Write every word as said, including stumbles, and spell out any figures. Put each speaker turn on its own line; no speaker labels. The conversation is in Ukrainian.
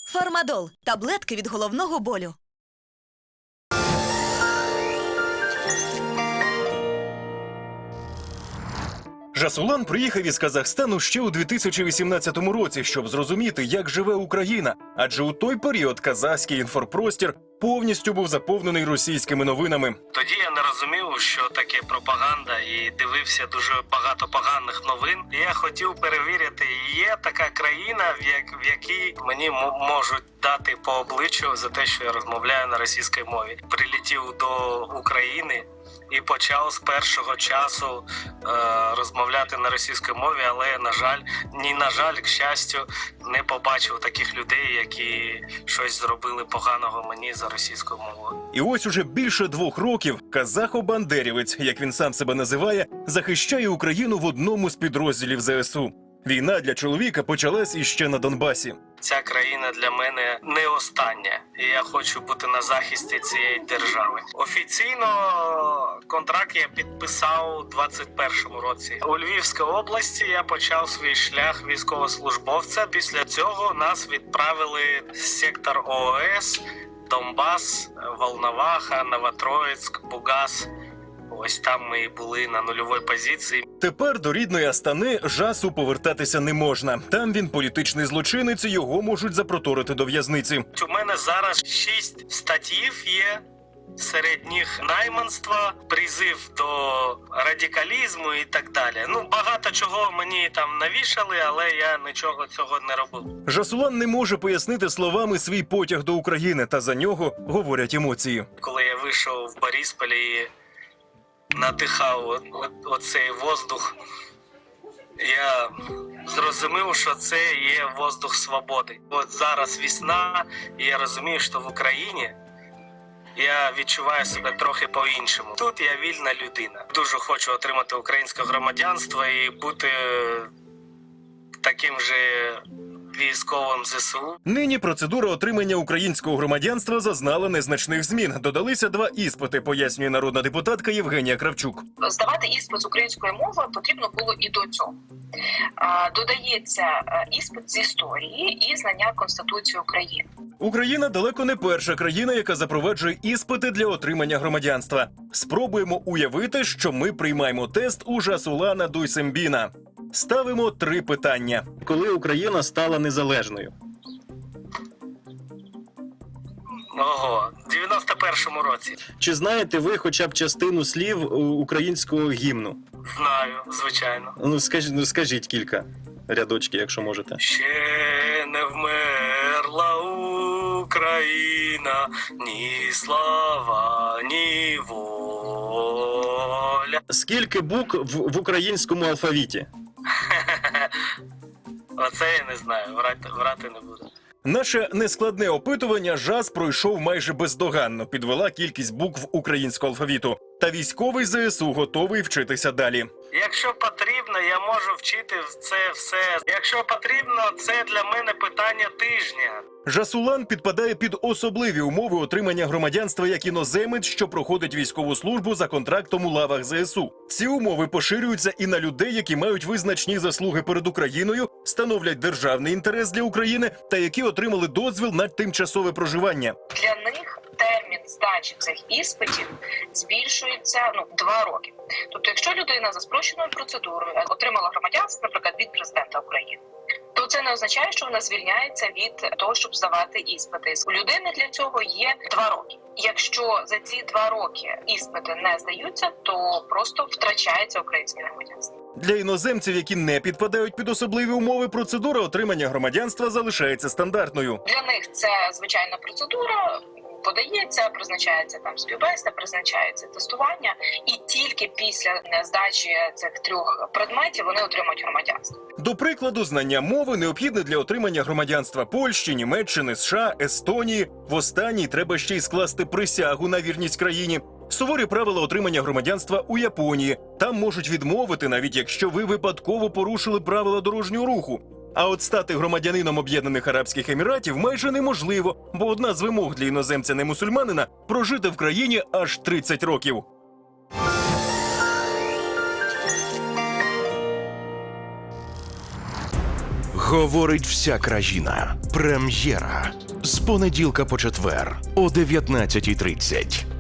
Фармадол – таблетки від головного болю.
Жасулан приїхав із Казахстану ще у дві тисячі вісімнадцятому році, щоб зрозуміти, як живе Україна. Адже у той період казахський інформпростір повністю був заповнений російськими новинами.
Тоді я не розумів, що таке пропаганда, і дивився дуже багато поганих новин. І я хотів перевірити, є така країна, в, як, в якій мені можуть дати по обличчю за те, що я розмовляю на російській мові. Прилетів до України і почав з першого часу е, розмовляти на російській мові, але, на жаль, ні, на жаль, к щастю, не побачив таких людей, які щось зробили поганого мені за російською мовою.
І ось уже більше двох років казахо-бандерівець, як він сам себе називає, захищає Україну в одному з підрозділів зе ес у. Війна для чоловіка почалась іще на Донбасі.
Ця країна для мене не остання, і я хочу бути на захисті цієї держави. Офіційно контракт я підписав у двадцять першому році. У Львівській області я почав свій шлях військовослужбовця. Після цього нас відправили в сектор о о ес, Донбас, Волноваха, Новотроїцьк, Бугас. Ось там ми і були на нульовій позиції.
Тепер до рідної Астани Жасу повертатися не можна. Там він політичний злочинець, і його можуть запроторити до в'язниці.
У мене зараз шість статтів є. Серед них найманство, призив до радикалізму і так далі. Ну, багато чого мені там навішали, але я нічого цього не робив.
Жасулан не може пояснити словами свій потяг до України, та за нього говорять емоції.
Коли я вийшов в Борисполі і надихав оцей воздух, я зрозумів, що це є воздух свободи. От зараз весна, і я розумію, що в Україні я відчуваю себе трохи по-іншому. Тут я вільна людина. Дуже хочу отримати українське громадянство і бути таким же військовим зе ес у.
Нині процедура отримання українського громадянства зазнала незначних змін. Додалися два іспити, пояснює народна депутатка Євгенія Кравчук.
Здавати іспит з української мови потрібно було і до цього. Додається іспит з історії і знання Конституції України.
Україна далеко не перша країна, яка запроваджує іспити для отримання громадянства. Спробуємо уявити, що ми приймаємо тест у Жасулана Дуйсембіна. Ставимо три питання.
Коли Україна стала незалежною?
Ого, в дев'яносто першому році.
Чи знаєте ви хоча б частину слів українського гімну?
Знаю, звичайно.
Ну, скажіть, ну, скажіть кілька рядочків, якщо можете.
Ще не вмерла Україна, ні слава, ні воля.
Скільки букв в, в українському алфавіті?
Оце я не знаю, врати, врати не буду.
Наше нескладне опитування Жас пройшов майже бездоганно, підвела кількість букв українського алфавіту. Та військовий зе ес у готовий вчитися далі.
Якщо потрібно, я можу вчити це все. Якщо потрібно, це для мене питання тижня.
Жасулан підпадає під особливі умови отримання громадянства як іноземець, що проходить військову службу за контрактом у лавах зе ес у. Ці умови поширюються і на людей, які мають визначні заслуги перед Україною, становлять державний інтерес для України та які отримали дозвіл на тимчасове проживання.
Для них термін здачі цих іспитів збільшується ну, два роки. Тобто, якщо людина за спрощеною процедурою отримала громадянство, наприклад, від президента України, то це не означає, що вона звільняється від того, щоб здавати іспити. У людини для цього є два роки. Якщо за ці два роки іспити не здаються, то просто втрачається українське громадянство.
Для іноземців, які не підпадають під особливі умови, процедура отримання громадянства залишається стандартною.
Для них це звичайна процедура. Подається, призначається там співбесіда, призначається тестування, і тільки після здачі цих трьох предметів вони отримують громадянство.
До прикладу, знання мови необхідне для отримання громадянства Польщі, Німеччини, США, Естонії. В останній треба ще й скласти присягу на вірність країні. Суворі правила отримання громадянства у Японії. Там можуть відмовити, навіть якщо ви випадково порушили правила дорожнього руху. А от стати громадянином Об'єднаних Арабських Еміратів майже неможливо, бо одна з вимог для іноземця-немусульманина – прожити в країні аж тридцять років.
Говорить вся країна. Прем'єра. З понеділка по четвер о дев'ятнадцятій тридцять.